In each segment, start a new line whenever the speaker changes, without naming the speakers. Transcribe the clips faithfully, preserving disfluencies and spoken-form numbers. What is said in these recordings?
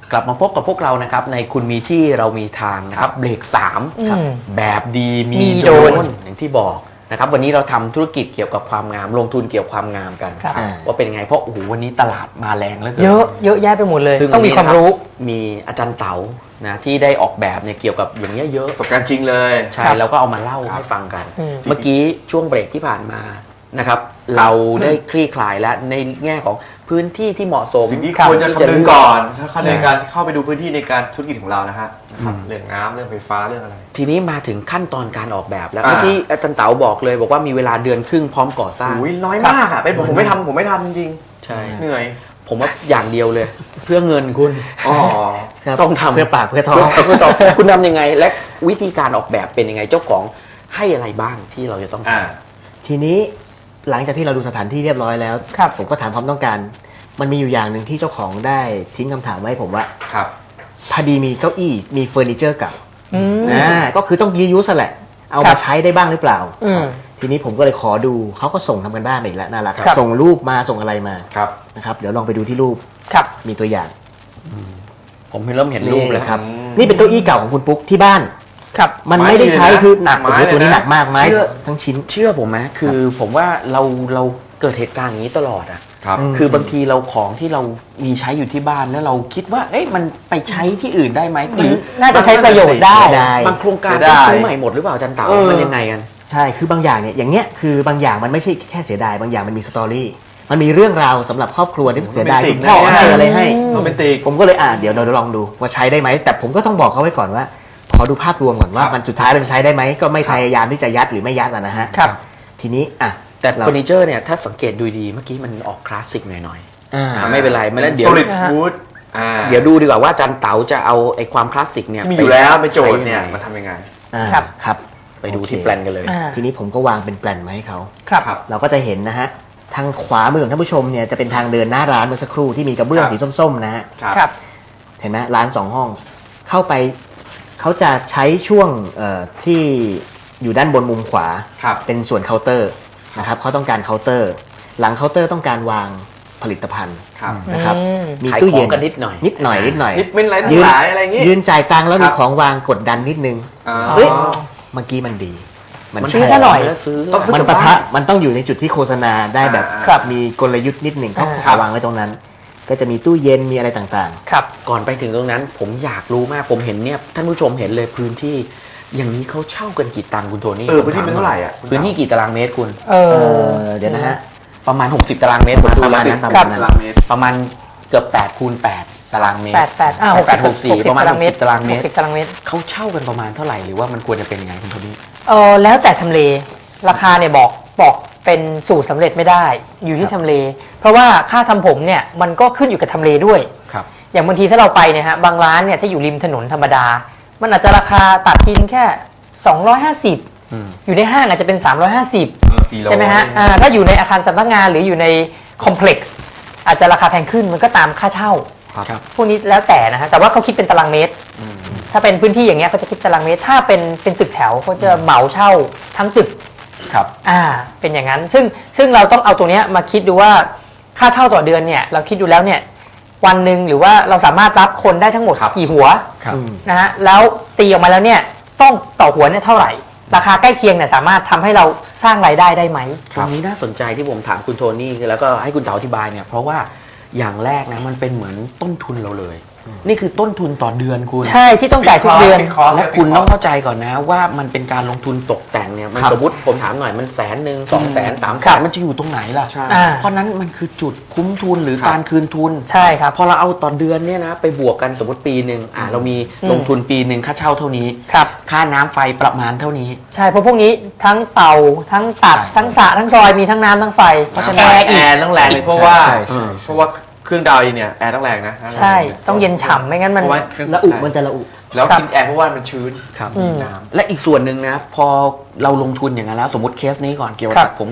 กลับมาพบกับพวกเรานะครับในคุณมีที่เรามีทางนะครับเบรกสามแบบดีมีโดนอย่างที่บอกนะครับวันนี้เราทำธุรกิจเกี่ยวกับความงามลงทุนเกี่ยวกับความงามกันว่าเป็นไงเพราะโอ้โหวันนี้ตลาดมาแรงเหลือเกิน
เยอะเยอะแยะไปหมดเลยต้องมีความรู้
มีอาจารย์เต๋านะที่ได้ออกแบบเนี่ยเกี่ยวกับอย่างเงี้ยเยอะ
ประสบการณ์จริงเลย
ใช่แล้วก็เอามาเล่าให้ฟังกันเมื่อกี้ช่วงเบรกที่ผ่านมานะครับเราได้คลี่คลายแล้วในแง่ของพื้นที่ที่เหมาะสม
สิ่งที่ควรจะคำนึงก่อนถ้าในการเข้าไปดูพื้นที่ในการธุรกิจของเรานะฮะเรื่องน้ำเรื่องไฟฟ้าเรื่องอะไร
ทีนี้มาถึงขั้นตอนการออกแบบแล้วเมื่อกี้อาจารย์เต๋าบอกเลยบอกว่ามีเวลาเดือนครึ่งพร้อมก่อสร้าง
อุ้ยน้อยมากอ่ะเป็นผมผมไม่ทำผมไม่ทำจริง
ใช่
เหนื่อย
ผมว่าอย่างเดียวเลยเพื่อเงินคุณ
อ๋อ
ต้องทำ
เพื่อปากเพื่อท้อง
เพื่อท้องคุณทำยังไงและวิธีการออกแบบเป็นยังไงเจ้าของให้อะไรบ้างที่เราจะต้องท
ำทีนี้หลังจากที่เราดูสถานที่เรียบร้อยแล้วผมก็ถามความต้องการมันมีอยู่อย่างหนึ่งที่เจ้าของได้ทิ้งคำถามไว้ผมว่า
ครับ
พอดีมีเก้าอี้มีเฟอร์นิเจอร์เก่าอ่าก็คือต้องรียูสแหละเอามาใช้ได้บ้างหรือเปล่าทีนี้ผมก็เลยขอดูเขาก็ส่งทำกันบ้านมาอีกแล้วน่ารักส่งรูปมาส่งอะไรมานะครับเดี๋ยวลองไปดูที่รูปมีตัวอย่าง
ผมเริ่มเห็นรูปแล้วครับ
นี่เป็นเก้าอี้เก่าของคุณปุ๊กที่บ้านครับมันไม่ได้ใช้คือหนักตัวนี้หนักมากไหมทั้งชิ้น
เชื่อผมไหมคือผมว่าเราเราเกิดเหตุการณ์อย่างนี้ตลอดอ่ะคือบางทีเราของที่เรามีใช้อยู่ที่บ้านแล้วเราคิดว่าเอ๊ะมันไปใช้ที่อื่นได้ไหมหรือ
น่าจะใช้ประโยชน์ได้
บางโครงการต้องซื้อใหม่หมดหรือเปล่าอาจารย์เต๋ามันยังไงกัน
ใช่คือบางอย่างเนี่ยอย่างเงี้ยคือบางอย่างมันไม่ใช่แค่เสียดายบางอย่างมันมีสตอรี่มันมีเรื่องราวสำหรับครอบครัวที่เสียดายคุณพ่อให้อะไรให้ผมก็เลยอ่าเดี๋ยวเราลองดูว่าใช้ได้ไหมแต่ผมก็ต้องบอกเขาไว้ก่อนว่าขอดูภาพรวมก่อนว่ามันสุดท้ายเราจะใช้ได้ไหมก็ไม่พยายามที่จะยัดหรือไม่ยัดนะฮะทีนี้อ่ะ
แต่เฟอร์นิเจอร์เนี่ยถ้าสังเกตดูดีเมื่อกี้มันออกคลาสสิกหน่อยๆไม่เป็นไรไม่แล้วเดี๋ยว
solid wood
เดี๋ยวดูดีกว่าว่าอาจารย์เต๋าจะเอาไอ้ความคลาสสิกเนี่ย
มีอยู่แล้วไปโจทย์เนี่ยมาทำยังไง
ครับครับ
ไปดูที่แปลนกันเลย
ทีนี้ผมก็วางเป็นแปลนมาให้เขาเราก็จะเห็นนะฮะทางขวามือของท่านผู้ชมเนี่ยจะเป็นทางเดินหน้าร้านเมื่อสักครู่ที่มีกระเบื้องสีส้มๆนะฮะเห็นไหมร้านสองห้องเข้าไปเขาจะใช้ช่วงที่อยู่ด้านบนมุมขวาเป็นส่วนเคาน์เตอร์นะครับเขาต้องการเคาน์เตอร์หลังเคาน์เตอร์ต้องการวางผลิตภัณฑ์นะครับ
มีตู้เย็นกันนิดหน่อย
นิดหน่อยนิดหน่อย
นิดเป็นไรทั้งหลายอะไรอย่างงี้
ยืนจ่ายตังค์แล้วมีของวางกดดันนิดนึงเฮ้ยเมื่อกี้มันดี
มันซื้อซะหน่อย
มันปะทะมันต้องอยู่ในจุดที่โฆษณาได้แบบมีกลยุทธ์นิดหนึ่งเขาวางไว้ตรงนั้นก็จะมีตู้เย็นมีอะไรต่าง
ๆครับก่อนไปถึงตรงนั้นผมอยากรู้มากผมเห็นเนี่ยท่านผู้ชมเห็นเลยพื้นที่อย่างนี้เขาเช่ากันกี่ตังค์คุณโทนี่
เออพื้นที่เป็นเท่าไหร่อ่ะ
พื้นที่กี่ตารางเมตรคุณ
เออเดี๋ยวนะฮะ
ประมาณหกสิบตารางเมตรผมดูแล้วประมาณเกือบแปดคูณแปดตารางเมตร
แปด แปดอ่าหกสิบ
หกสิบประมาณหกสิบตารางเมตร
หกสิบตารางเมตร
เขาเช่ากันประมาณเท่าไหร่หรือว่ามันควรจะเป็นยังไงคุณโทนี่
เออแล้วแต่ทำเลราคาเนี่ยบอกบอกเป็นสูตรสำเร็จไม่ได้อยู่ที่ทำเลเพราะว่าค่าทำผมเนี่ยมันก็ขึ้นอยู่กับทำเลด้วย
ครับ
อย่างบางทีถ้าเราไปเนี่ยฮะบางร้านเนี่ยถ้าอยู่ริมถนนธรรมดามันอาจจะราคาตัดทินแค่สองร้อยห้าสิบอยู่ในห้างอาจจะเป็นสามร้อยห้าสิบใช่ไหมฮะถ้าอยู่ในอาคารสำนักงานหรืออยู่ในคอมเพล็กซ์อาจจะราคาแพงขึ้นมันก็ตามค่าเช่าพวกนี้แล้วแต่นะฮะแต่ว่าเขาคิดเป็นตารางเมตรถ้าเป็นพื้นที่อย่างเงี้ยเขาจะคิดตารางเมตรถ้าเป็นเป็นตึกแถวเขาจะเหมาเช่าทั้งตึก
ครับ
อ่าเป็นอย่างนั้นซึ่งซึ่งเราต้องเอาตัวเนี้ยมาคิดดูว่าค่าเช่าต่อเดือนเนี่ยเราคิดดูแล้วเนี่ยวันหนึ่งหรือว่าเราสามารถรับคนได้ทั้งหมดกี่หัวนะฮะแล้วตีออกมาแล้วเนี่ยต้องต่อหัวเนี่ยเท่าไหร่ราคาใกล้เคียงเนี่ยสามารถทำให้เราสร้างรายได้ได้ไหม
ตรงนี้น่าสนใจที่ผมถามคุณโทนี่แล้วก็ให้คุณเต๋าอธิบายเนี่ยเพราะว่าอย่างแรกนะมันเป็นเหมือนต้นทุนเราเลยนี่คือต้นทุนต่อเดือนคุณ
ใช่ที่ต้องจ่ายทุกเดือน
และคุณต้องเข้าใจก่อนนะว่ามันเป็นการลงทุนตกแต่งเนี่ยมันสมมติผมถามหน่อยมันแสนหนึ่งสองแสนสามแสนมันจะอยู่ตรงไหนล่ะเพราะนั้นมันคือจุดคุ้มทุนหรือการคืนทุน
ใช่ครับ
พอเราเอาต่อเดือนเนี่ยนะไปบวกกันสมมติปีหนึ่งอ่าเรามีลงทุนปีหนึ่งค่าเช่าเท่านี้ค่าน้ำไฟประมาณเท่านี้
ใช่เพราะพวกนี้ทั้งเป่าทั้งตัดทั้งสระทั้งซอยมีทั้งน้ำทั้งไฟ
เพราะฉะนั้นแอร์ต้องแรงเลยเพราะว่าเพราะว่าเครื่องดาวเนี่ยแอร์ต้องแรงนะ
ใช่ต้องเย็นฉ่ำไม่งั้นมัน
ระอุมันจะระอุ
แล้วกินแอร์เพราะว่ามันชื้น
ครับน้ำและอีกส่วนหนึ่งนะพอเราลงทุนอย่างนั้นแล้วสมมติเคสนี้ก่อนเกี่ยวกับตัดผมก่อน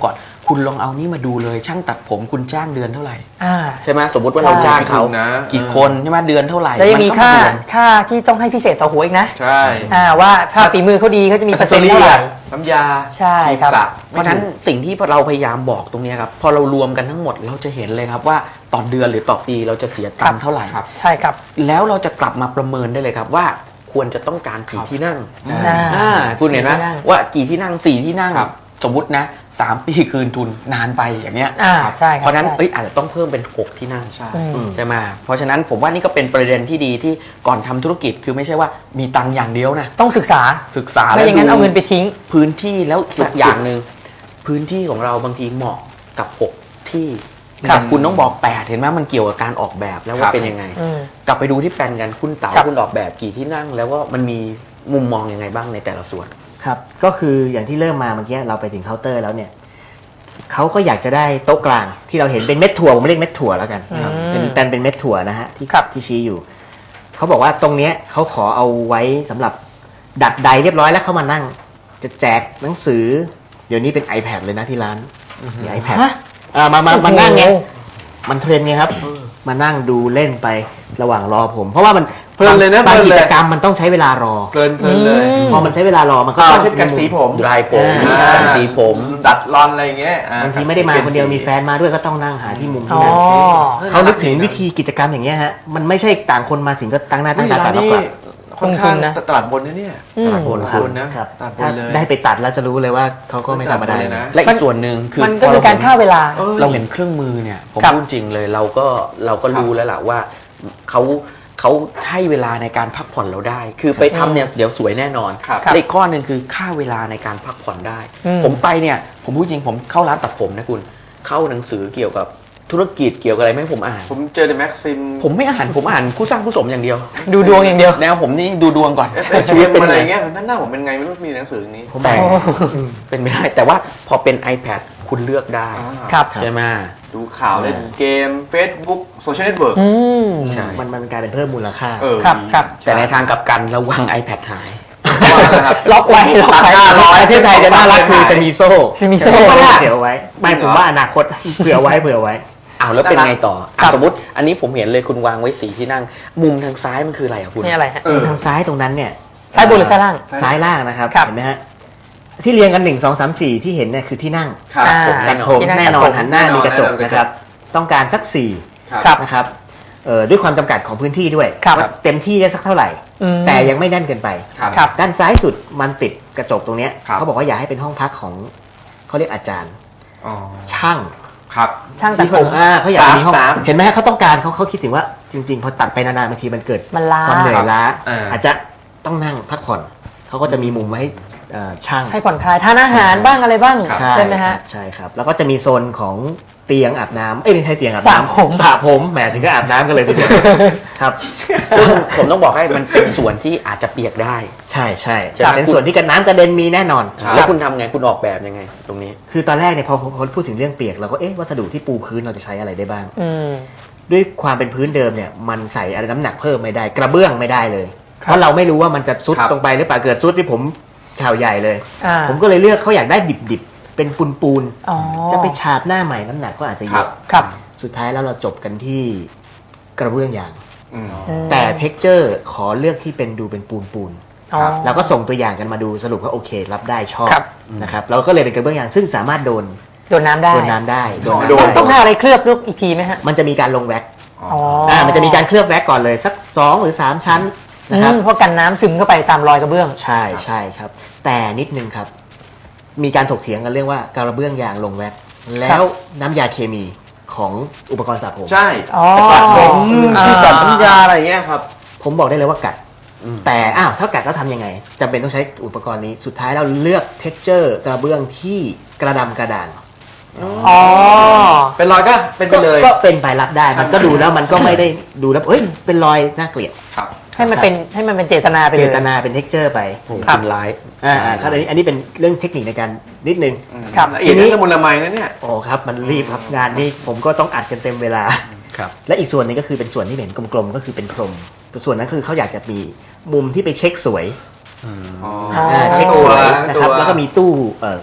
คุณลองเอานี่มาดูเลยช่างตัดผมคุณจ้างเดือนเท่าไหร่
อ่า
ใช่ไหมสมมติว่าเราจ้างเขา
นะ
กี่คนใช่ไหมเดือนเท่าไหร่
แล้วยังมี
นก็
ค่า
เดือน
ค่าที่ต้องให้พิเศษต่อหัวอีกนะ
ใช่
อ่าว่าถ้าฝีมือเขาดีเขาจะมีเปอร์เซ็นต์เท่าไหร่
น้ำยา
ใช่ครับ
สระ
เพราะฉะนั้นสิ่งที่เราพยายามบอกตรงนี้ครับพอเรารวมกันทั้งหมดเราจะเห็นเลยครับว่าต่อเดือนหรือต่อปีเราจะเสียตังค์เท่าไหร่
ใช่ครับ
แล้วเราจะกลับมาประเมินได้เลยครับว่าควรจะต้องการกี่ที่นั่ง
อ่า
อ่าคุณเห็นไหม
ที่นั่ง
ว่ากี่ที่นั่งสี่ที่นั่ง
ครับ
สมมตินะสามปีคืนทุนนานไปอย่างเงี้ย
อ่าใช่ครับ
เพราะฉะนั้น
ใช่
เอ้ยอาจจะต้องเพิ่มเป็นหกที่นั่ง
ใช่
อืม
ใช่ไหมเพราะฉะนั้นผมว่านี่ก็เป็นประเด็นที่ดีที่ก่อนทำธุรกิจคือไม่ใช่ว่ามีตังค์อย่างเดียวนะ
ต้องศึกษา
ศึกษา
ไม่อย่างนั้น
ดู
เอาเงินไปทิ้ง
พื้นที่แล้วอีกอย่างหนึ่งพื้นที่ของเราบางทีเหมาะกับหกที่
ครับ
แต่คุณต้องบอกแปดเห็นไหมมันเกี่ยวกับการออกแบบแล้ว
ค
ว่า
รับ
เป็นยังไง
อืม
กลับไปดูที่แปลนกันคุณเต๋า
ครับ
คุณออกแบบกี่ที่นั่ง แล้วว่ามันมีมุมมองยังไงบ้างในแต่ละส่วน
ครับก็คืออย่างที่เริ่มมาเมื่อกี้เราไปถึงเคาน์เตอร์แล้วเนี่ยเขาก็อยากจะได้โต๊ะกลางที่เราเห็นเป็นเม็ดถั่วผมเรียกเม็ดถั่วแล้วกันครับ
อืม
เป็นเป็นเป็นเม็ดถั่วนะฮะที่
ครับ
ที่ชี้อยู่เขาบอกว่าตรงเนี้ยเขาขอเอาไว้สำหรับดัดใดเรียบร้อยแล้วเข้ามานั่งจะแจกหนังสือเดี๋ยวนี้เป็น iPad เลยนะที่ร้านมี iPad
ฮะ
อ่ามามามานั่งไง
โอ้โห
มันเทรนไงครับ มานั่งดูเล่นไประหว่างรอผม เพราะว่ามัน
เพลินเลยนะ
บาง
เพลิน
กิ
เลย
จกรรมมันต้องใช้เวลารอ
เพลินเพลินเลย
อืม
พอมันใช้เวลารอมันก็
ก็
ต้อง
เช่นกันสีผม
ดรายผม
อ่า
กันสีผม
ดัดรอนอะไรอย่างเงี้ยอ่
บางทีไม่ได้มาคนเดียวมีแฟนมาด้วยก็ต้องนั่งหาที่มุม
อ๋
ที่
อ
นั่งเขานึกถึงวิธีกิจกรรมอย่างเงี้ยฮะมันไม่ใช่ต่างคนมาถึงก็ตั้งหน้าตั้งตาตัดแล้วกลับ
ค่อนข้าง
ลงทุนนะ
ตลาดบนนะเนี่ย
อืม
ตลาดบน
ครับ
คุณนะครับ ตลาดบ
ถ้าน
เลย
ได้ไปตัดแล้วจะรู้เลยว่าเขาก็ไม่ธรรมดา
เลยนะ
และอีกส่วนหนึ่งคือ
มันก็คือการฆ่าเวลา
เออ
เราเห็นเครื่องมือเนี่ยผม
ครับ
พูดจริงเลยเราก็เราก็รู้แล้วล่ะว่าเขาเขาให้เวลาในการพักผ่อนเราได้ คือไปทำเนี่ยเดี๋ยวสวยแน่นอน
ครับ
และอีกข้อหนึ่งคือค่าเวลาในการพักผ่อนได้
อืม
ผมไปเนี่ยผมพูดจริงผมเข้าร้านตัดผมนะคุณเข้าหนังสือเกี่ยวกับธุรกิจเกี่ยวกับอะไรไม่ให้ผมอ่าน
ผมเจอในแม็กซิม
ผมไม่อ่านผมอ่านคู่สร้างคู่สมอย่างเดียว
ดูดวงอย่างเดียว
แนวผมนี่ดูดวงก่อน
เอฟชีวิตอะไรเงี้ยนั่นหน้าผมเป็นไงไม่รู้มีหนังสืออย่างนี้
ผม
แต่
แบ่ง
เป็นไม่ได้แต่ว่าพอเป็น iPad คุณเลือกได้
ครับ
ใช่ไหม
ดูข่าวเล่นเกม Facebook โซเชียลเน็ตเวิร์ก
อืม
ใช่
มันมันกลายเป็นเพิ่มมูลค่า
เออ
ครับครับ
แต่ในทางกลับกันระวัง iPad หาย
ล็อกไว้ล็อกไว้
ห้าร้อยประเทศไทยจะน่ารักคือจะมีโซ่
จะมีโซ่
เดี๋ยวไว้ไม่ผมว่าอนาคตเผื่อไว้เผื่อไว้
อ้าวแล้วเป็นไงต่อ
ครั
อ่ะ
บ
สมมติอันนี้ผมเห็นเลยคุณวางไว้สีที่นั่ง มุมทางซ้ายมันคืออะไรอ่ะคุณ
นี่อะไรฮะ
เออ
ทางซ้ายตรงนั้นเนี่ย
ซ้ายบนหรือซ้ายล่าง
ซ้ายล่างนะครับ
ครับ
เห็นไหมฮะที่เรียงกันหนึ่งสองสามสี่ที่เห็นเนี่ยคือที่นั่ง
ครับ
อ่า
ผมแน่นอน
ผม
ที่นั่ง
แน่นอ
ตั
น
ดผม
หันหน้า
แน่นอน
มีกระจก
แน่นอน
นะครับ ต้องการสักสี่
ครับ
นะครับเอ่อด้วยความจำกัดของพื้นที่ด้วย
ครับ
ว่าเต็มที่ได้สักเท่าไหร่
อืม
แต่ยังไม่แน่นเกินไป
ครับ
ครับ
ด้านซ้ายสุดมันติดกระจกตรงเนี้ย
ครับ
เขาบอกว่าอยากให้เป็นห้องพักของเขาเรียกอาจารย์
อ๋อ
ช่าง
ครับ
ช่างตัด
ที่
ผ
ผม มอ่าเขาอยากมีห้อง
Staff
เห็นไหมฮะเขาต้องการเขาเขาคิดถึงว่าจริง ๆ พอตัดไปนานๆบางทีมันเกิด
มันล้า
ความเหนื่อยล้า
อ่า
อาจจะต้องนั่งพักผ่อนเขาก็จะมีมุมไว้ให้เอ่อช่าง
ให้ผ่อนคลายทานอาหารบ้างอะไรบ้าง
ใช่
ใช่ไหมฮะ
ใช่ครับแล้วก็จะมีโซนของเตียงอาบน้ำเอ้ยไม่ใช่เตียงอาบ
สระ
น้ำ
ผม
สระผมแหมถึงก็อาบน้ำกันเลยทีเดียวครับ
ซึ่งผมต้องบอกให้มันเป็นส่วนที่อาจจะเปียกได้
ใช่ใช่
ใช่ไหม
เป็นส่วนที่กันน้ำกระเด็นมีแน่นอน
แล้วคุณทำไงคุณออกแบบยังไง ตรงนี้
คือตอนแรกเนี่ยพอพอพูดถึงเรื่องเปียกเราก็เอ๊ะวัสดุที่ปูพื้นเราจะใช้อะไรได้บ้าง
อืม
ด้วยความเป็นพื้นเดิมเนี่ยมันใส่อะไรน้ำหนักเพิ่มไม่ได้ กระเบื้องไม่ได้เลย เพราะเราไม่รู้ว่ามันจะซุด
ครับ
ลงไปหรือเปล่าเกิดซุดที่ผมข่าวใหญ่เลย
อ่า
ผมก็เลยเลือกเขาอยากได้ดิบๆเป็นปูน
อ๋อ
ๆจะไปฉาบหน้าใหม่น้ำหนักก็อาจจะเย
ครั
อะ
บ
ครับ
สุดท้ายแล้วเราจบกันที่กระเบื้องยาง
อืม
อืม
แต่เท็กเจอร์ขอเลือกที่เป็นดูเป็นปูนปูน
อ๋อ
ๆเราก็ส่งตัวอย่างกันมาดูสรุปว่าโอเครับได้ชอบ
ครับ
นะครับเราก็เลยเป็นกระเบื้องยางซึ่งสามารถโดน
โดนน้ำได้
โดนน้ำได้โดน
โดน
น้ำ
ต้อง
ได้
ทาอะไรเคลือบลูกอีกทีไหมฮะ
มันจะมีการลงแว็ก
อ๋อ
อ่ามันจะมีการเคลือบแว็กก่อนเลยสักสองหรือสามชั้น
อื
นะครับ
มเพราะกันน้ำซึมเข้าไปตามรอยกระเบื้อง
ใช่ใช่ครับ แต่นิดนึงครับ มีการถกเถียงกันเรื่องว่ากระเบื้องยางลงแว็กแล้วน้ำยาเคมีของอุปกรณ์สระผม
ใช่
อ๋อ
ตัดผม
อ่า
ที่ตัดน้ำยาอะไรเงี้ยครับ
ผมบอกได้เลยว่ากัด
อืม
แต่อ้าวถ้ากัดแล้วทำยังไงจำเป็นต้องใช้อุปกรณ์นี้สุดท้ายเราเลือกเท็กเจอร์กระเบื้องที่กระดำกระด่าง
อ๋อ
เป็นรอยก็เป็นไปเลย
ก็เป็นไปรับได้มันก็ดูแล้วมันก็ไม่ได้ดูแล้วเอ้ยเป็นรอยน่าเกลียด
ครับ
ให้มันเป็นให้มันเป็นเจตนาไป
เจ
เลย
ตนาเป็นเท็กเจอร์ไป
โอ้โห
ครับ
คุณร้าย
อ่าอ่าครับอันนี้อันนี้เป็นเรื่องเทคนิคในการนิดนึง
ครับ
ละเอียดนี่ละมุนละไมนะเนี่ย
โอ้ครับมันรีบครับงานนี้ผมก็ต้องอัดกันเต็มเวลา
ครับ
และอีกส่วนหนึงก็คือเป็นส่วนที่เห็นกลมๆก็คือเป็นพรมส่วนนั้นคือเขาอยากจะมีมุมที่ไปเช็คสวย
อืม
อ๋อ
อ๋อ
อ่าเช็คสวยนะครับ
ตัว
แล้วก็มีตู้เอ่อ
ครับ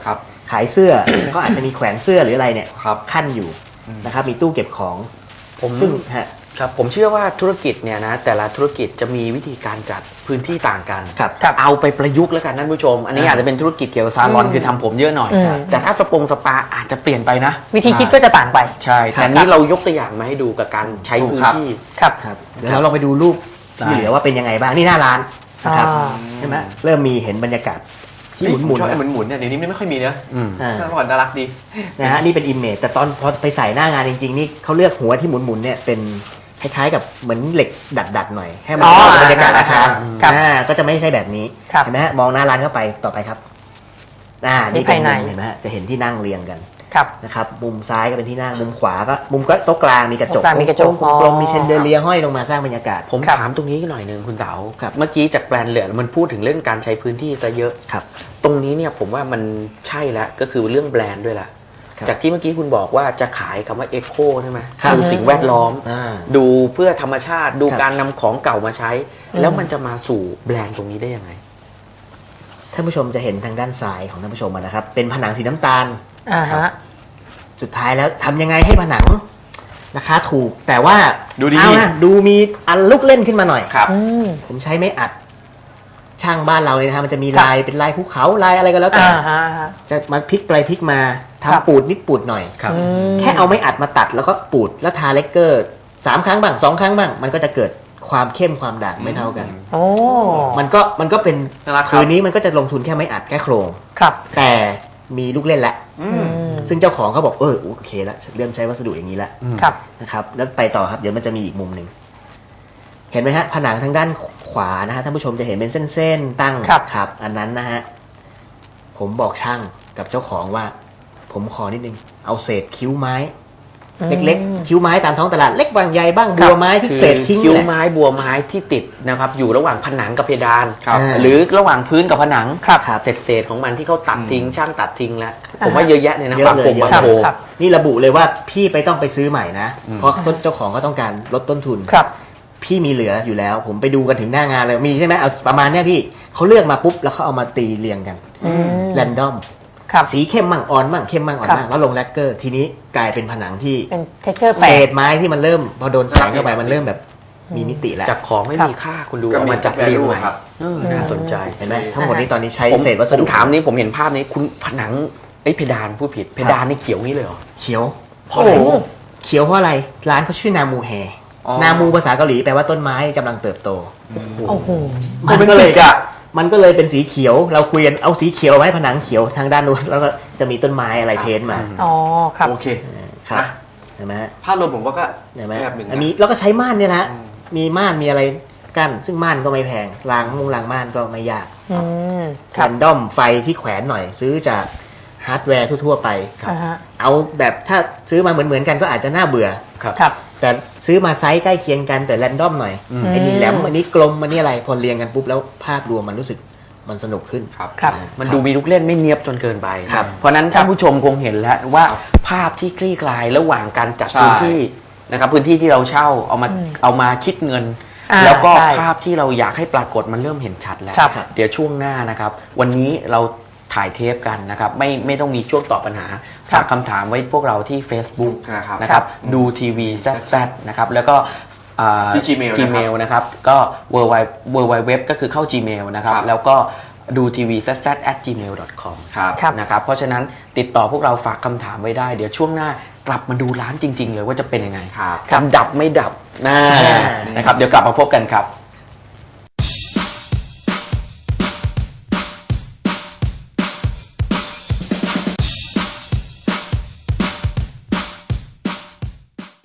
ขายเสื้อ ก็อาจจะมีแขวนเสื้อหรืออะไรเนี่ย
ครับ
ขั้นอยู่นะครับมีตู้เก็บของ
ผม
ซึ่งฮะ
ครับผมเชื่อว่าธุรกิจเนี่ยนะแต่ละธุรกิจจะมีวิธีการจัดพื้นที่ต่างกัน
ครับ
เอาไปประยุกต์แล้วกันท่านผู้ชม อันนี้
อ่า
อาจจะเป็นธุรกิจเกี่ยวกับซาลอนคือทำผมเยอะหน่อย
อืม
แต่ถ้าสปงสปาอาจจะเปลี่ยนไปนะ
วิธีคิดก็จะต่างไป
ใช่แต่นี้เรายกตัวอย่างมาให้ดูกับการใช้พื้นที่
ครับ
ครับเดี๋ยวเราลองไปดูรูปที่เหลือว่าเป็นยังไงบ้างนี่หน้าร้านนะครับ
อ่า
ใช่ไหมเริ่มมีเห็นบรรยากาศที่หมุนหมุน
ชอบไอ้หมุนหมุนๆเนี่ยเดี๋ยวนี้ไม่ค่อยมีเนอะ
อืม
อ่า
เมื่อก่อนน่ารักดี
นะฮะนี่เป็นอิมเมจแต่ตอนพอไปใส่หน้างานจริงๆนี่เขาเลือกหัวที่หมุนหมุนๆเนี่ยเป็นคล้ายๆกับเหมือนเหล็กดัดๆหน่อยให้มัน
อ๋อ
เข้ากับบรรยากาศอาคาร
ครับ
อ่าก็จะไม่ใช่แบบนี้
ครับ
เห็นไหมฮะมองหน้าร้านเข้าไปต่อไปครับอ่านี่เป็น
ภายใน
มุมเห็นไหมฮะจะเห็นที่นั่งเรียงกัน
ครับ
นะครับมุมซ้ายก็เป็นที่นั่งมุมขวาก็มุมก็โต๊ะกลางมีกระจก
โต๊ะกลางมีกระจก
กลมๆมีเชนเดอเลียร์ห้อยลงมาสร้างบรรยากาศ
ผม
ครับ
ถามตรงนี้หน่อยหนึ่งคุณเต๋า
ครับ
เมื่อกี้จากแบรนด์เหลือมันพูดถึงเรื่องการใช้พื้นที่ซะเยอะ
ครับ
ตรงนี้เนี่ยผมว่ามันใช่แล้วก็คือเรื่องแบรนด์ด้วยล่ะ
ครับ
จากที่เมื่อกี้คุณบอกว่าจะขายคำว่าเอ o ใช่ไหม
ครับ
ดูสิ่งแวดล้อม
อ่า
ดูเพื่อธรรมชาติดู
ครับ
การนำของเก่ามาใช้
อืม
แล้วมันจะมาสู่แบรนด์ตรงนี้ได้ยังไง
ท่านผู้ชมจะเห็นทางด้านซ้ายของท่านผู้ชมนะครับ เป็นผนังสีน้ำตาล
อ่าฮะ
สุดท้ายแล้วทำยังไงให้ผนังราคาถูก แต่ว่า
ดูดี
เอานะดูมีอันลุกเล่นขึ้นมาหน่อย
ครับ
อืม
ผมใช้ไม่อัด ช่างบ้านเราเนี่ยนะฮะมันจะมี
ครับ
ลายเป็นลายภูเขาลายอะไรก็แล้วแต่
อ่าฮะฮะ
จะมาพลิกไปพลิกมา
ครับ
ทำปูดนิดปูดหน่อย
ครับ
อืม
แค่เอาไม่อัดมาตัดแล้วก็ปูดแล้วทาเลกเกอร์สามครั้งบ้างสองครั้งบ้าง มันก็จะเกิดความเข้มความด่างไม่เท่ากัน
โอ้
มันก็มันก็เป็น
น่ารักครับ
คืนนี้มันก็จะลงทุนแค่ไม่อัดแค่โครง
ครับ
แต่มีลูกเล่นแล้ว
อื
อื
ม
ม
ซึ่งเจ้าของเขาบอกเออโอเคแล้วเริ่มใช้วัสดุอย่างนี้แล้ว
ครับ
นะครับแล้วไปต่อครับเดี๋ยวมันจะมีอีกมุมหนึ่งเห็นไหมฮะผนังทางด้านขวานะฮะท่านผู้ชมจะเห็นเป็นเส้นๆตั้ง
ครับ
ครับอันนั้นนะฮะผมบอกช่างกับเจ้าของว่า ผมขอนิดนึงเอาเศษคิ้วไม้ เล็กๆคิ้วไม้ตามท้องตลาดเล็กบางใหญ่บ้างบัวไม้ที่
คือ
เศษทิ้ง
คิ้ว
แหละ
ไม้บัวไม้ที่ติดนะครับอยู่ระหว่างผนังกับเพดาน
ครับ
อ่า
หรือระหว่างพื้นกับผนัง
ครับครับ
เศษเศษๆของมันที่เขาตัดทิ้งช่างตัดทิ้งแล้ว
อ่า
ผมว่าเยอะแยะเลยนะ
เยอะ
บาง
เลย
โคง
เยอะ
บาง
ครับ
โคง
ครับ
นี่ระบุเลยว่าพี่ไปต้องไปซื้อใหม่นะ เพราะต้นเจ้าของก็ต้องการลดต้นทุน
ครับ
พี่มีเหลืออยู่แล้ว ผมไปดูกันถึงหน้างานเลยมีใช่ไหมเอาประมาณเนี้ยพี่เขาเลือกมาปุ๊บแล้วเขาเอามาตีเรียงกัน
อืม
แรนดอม
ครับ
สีเข้มมั่งอ่อนมั่งเข้มมั่งอ่อน
ครับ
มั่งแล้วลงแลกเกอร์ทีนี้กลายเป็นผนังที่
เป็น texture แป
เศ
ลก
ษไม้ที่มันเริ่มพอโดนแสงเข้าไปมันเริ่มแบบมีมิติแล้ว
จากของไม่
ครับ
มีค่าคุณดู
ก็
เอา
มี
มาจัดเรียงใหม่
ครับ
เออน่าสนใจ
เห็นไหมทั้งหมดนี้ตอนนี้ใช้
ผม
เศษวัส
ผม
ดุ
ถามนี้ผมเห็นภาพนี้คุณผนังไอ้ยเพดานผู้ผิดเพดานนี่เขียวงี้เลยเหรอ
เขียว
เพราะอะไร
โอ้
เขียวเพราะอะไรร้านเขาชื่อนามูแฮ
อ๋อ
นามูภาษาเกาหลีแปลว่าต้นไม้กำลังเติบโต
โอ้โห
มันก็เลยมันก็เลยเป็นสีเขียวเราคุยกันเอาสีเขียวไว้ผนังเขียวทางด้านนู้นแล้วก็จะมีต้นไม้อะไรเพ้นท์มา
อ๋อ ครับ
โอเค
ครับ
นะ
เห็นไหมฮะ
ภาพรวมผมว่าก็
เห็นไหม
แบบหนึ่งนะ
อันนี้แล้วก็ใช้ม่านเนี่ยแหละ
อืม
มีม่านมีอะไรกั้นซึ่งม่านก็ไม่แพงรางมุงรางม่านก็ไม่ยาก
อืม ค
แร
รับ
นดอมไฟที่แขวนหน่อย ซื้อจากฮาร์ดแวร์ทั่วๆไป
อ่าฮะ
เอาแบบถ้าซื้อมาเหมือนๆกันก็อาจจะน่าเบื่อ
ครับ
ครับ
แต่ซื้อมาไซส์ใกล้เคียงกันแต่แรนดอมหน่อย
อืม
ไอ้นี่แหลมอันนี้กลมอันนี้อะไรพอเรียงกันปุ๊บแล้วภาพรวมมันรู้สึกมันสนุกขึ้น
ครับ
ครับ
มันดูมีลูกเล่นไม่เนียบจนเกินไป
ครับ
เพราะฉะนั้นท่านผู้ชมคงเห็นแล้วว่าภาพที่คลี่คลายระหว่างการจัด
ใช่
พื้นที่นะครับพื้นที่ที่เราเช่าเอามา
อืม
เอามาคิดเงิน
อ่า
แล้วก็
ใช่
ภาพที่เราอยากให้ปรากฏมันเริ่มเห็นชัดแล้ว
ครับ
เดี๋ยวช่วงหน้านะครับ วันนี้เราถ่ายเทปกันนะครับ ไม่ไม่ต้องมีช่วงตอบปัญหา
ครับ
ฝากคำถามไว้พวกเราที่ Facebook
นะครับ
นะครับดูทีวีแซดนะครับแล้วก็อ่า
ที่ Gmail นะครับ
Gmail นะครับก็ w w w ก็คือเข้า Gmail นะครับ
ครับ
แล้วก็ดูทีวีแซดแซด at gmail dot com
ครับ
ครับ
นะครับเพราะฉะนั้นติดต่อพวกเราฝากคำถามไว้ได้ เดี๋ยวช่วงหน้ากลับมาดูร้านจริง ๆ เลยว่าจะเป็นยังไง
ครับ
จะดับไม่ดับนะนะครับเดี๋ยวกลับมาพบกันครับ